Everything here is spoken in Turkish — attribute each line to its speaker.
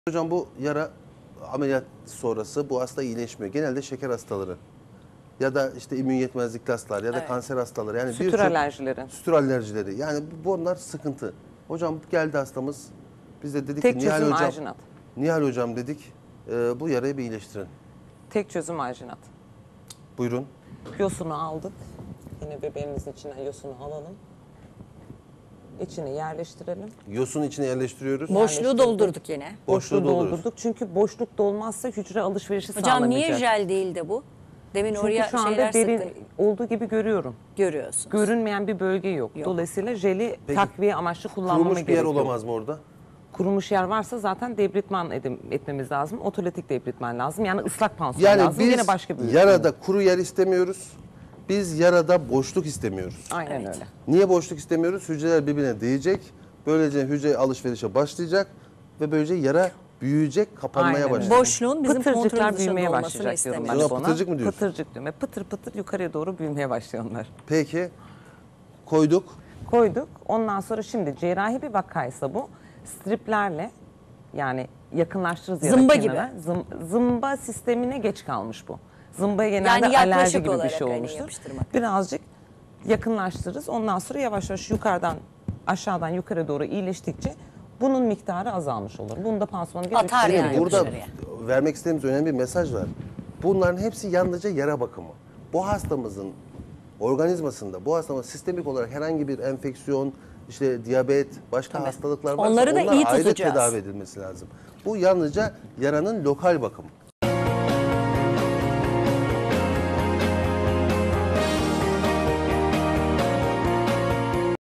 Speaker 1: Hocam bu yara ameliyat sonrası bu hasta iyileşmiyor. Genelde şeker hastaları ya da işte immün yetmezlikli hastalar ya da kanser hastaları. Yani
Speaker 2: sütür alerjileri.
Speaker 1: Sütür alerjileri. Yani bunlar sıkıntı. Hocam geldi hastamız. Biz de dedik
Speaker 2: Tek
Speaker 1: ki Nihal
Speaker 2: çözüm
Speaker 1: hocam,
Speaker 2: alginat.
Speaker 1: Nihal hocam dedik bu yarayı bir iyileştirin.
Speaker 2: Tek çözüm alginat.
Speaker 1: Buyurun.
Speaker 2: Yosunu aldık. Yine bebeğimizin içine yosunu alalım. İçine yerleştirelim.
Speaker 1: Yosun içine yerleştiriyoruz.
Speaker 3: Boşluğu doldurduk yine.
Speaker 1: Boşluğu
Speaker 2: doldurduk. Çünkü boşluk dolmazsa hücre alışverişi
Speaker 3: Hocam
Speaker 2: sağlamayacak.
Speaker 3: niye jel değil de bu? Demin
Speaker 2: Çünkü
Speaker 3: oraya
Speaker 2: şu anda
Speaker 3: şeyler
Speaker 2: derin
Speaker 3: sıktın.
Speaker 2: olduğu gibi görüyorum.
Speaker 3: Görüyorsunuz.
Speaker 2: Görünmeyen bir bölge yok. Dolayısıyla jeli
Speaker 1: Peki,
Speaker 2: takviye amaçlı kullanmama
Speaker 1: Kurumuş bir yer
Speaker 2: gerek yok.
Speaker 1: olamaz mı orada?
Speaker 2: Kurumuş yer varsa zaten debritman etmemiz lazım. Otolitik debritman lazım. Yani ıslak pansuman
Speaker 1: Yani
Speaker 2: lazım.
Speaker 1: biz
Speaker 2: Yine başka bir
Speaker 1: yarada kuru yer istemiyoruz. Biz yarada boşluk istemiyoruz.
Speaker 2: Aynen öyle.
Speaker 1: Niye boşluk istemiyoruz? Hücreler birbirine değecek. Böylece hücre alışverişe başlayacak ve böylece yara büyüyecek, kapanmaya
Speaker 2: Aynen öyle.
Speaker 1: başlayacak.
Speaker 3: Boşluğun bizim
Speaker 2: Pıtırcıklar
Speaker 3: kontrol dışında
Speaker 2: büyümeye
Speaker 3: olmasını
Speaker 2: başlayacak diyorum ben
Speaker 3: istemiyoruz.
Speaker 1: Buna
Speaker 2: ona.
Speaker 1: pıtırcık mı diyorsun?
Speaker 2: Pıtırcık diyorum. Pıtır pıtır yukarıya doğru büyümeye başlıyorlar.
Speaker 1: Peki koyduk.
Speaker 2: Koyduk. Ondan sonra şimdi cerrahi bir vakaysa bu striplerle yani yakınlaştırırız yara
Speaker 3: Zımba
Speaker 2: kenarına. Zımba sistemine geç kalmış bu. Zımbaya genelde
Speaker 3: Yani yaklaşık
Speaker 2: alerji gibi bir
Speaker 3: olarak
Speaker 2: şey
Speaker 3: hani
Speaker 2: olmuştur.
Speaker 3: yapıştırmak.
Speaker 2: Birazcık yakınlaştırırız. Ondan sonra yavaş yavaş yukarıdan aşağıdan yukarı doğru iyileştikçe bunun miktarı azalmış olur. Bunda pansumanı gerek
Speaker 3: Atar
Speaker 2: yok.
Speaker 3: yani.
Speaker 1: Burada
Speaker 3: dışarıya.
Speaker 1: vermek istediğimiz önemli bir mesaj var. Bunların hepsi yalnızca yara bakımı. Bu hastamızın organizmasında, bu hastamızın sistemik olarak herhangi bir enfeksiyon, işte diyabet, başka hastalıklar varsa
Speaker 3: Onları da
Speaker 1: onlar
Speaker 3: iyi
Speaker 1: ayrı
Speaker 3: tutacağız.
Speaker 1: tedavi edilmesi lazım. Bu yalnızca yaranın lokal bakımı.